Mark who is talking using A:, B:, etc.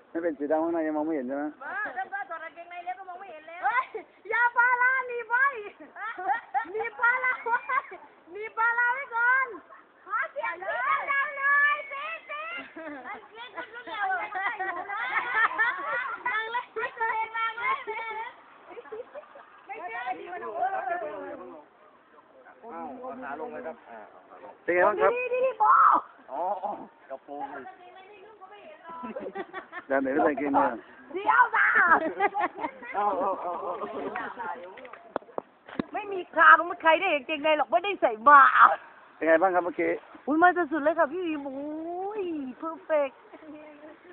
A: ไม่เป็นสีดำข้างในยังมองไม่เห็นใช่ไหม
B: เริ่มต้นถอดกางเกงในแล้วก็มองไม่เห็นแล้วอย่าปลาลาหนีไปหนีปลาลาไว้หนีปลาลาไว้ก่อนขอเสียงพี่ดังๆเลยสินั่งเล่นกันรุ่นเดียวเลยนั่งเล่นไม่เคยนั่งเล่นไม่เชื่อดีมัน
C: ขาลงเลยครับ
A: เป็นไงบ้างครับ
B: ดีบอ
C: อ๋อกระโปรงเลย
A: ด้านไหนไม่ใส่เกงเนี่ย
B: เดี๋ยวจ้าไม่มีคราวไม่ใครได้เห็นเกงในหรอกไม่ได้ใส่บา
A: เป็นไงบ้างครับเมื่อกี้
B: อุ้ยมาสุดๆเลยค่ะพี่วิมอุ้ยเพอร์เฟกต์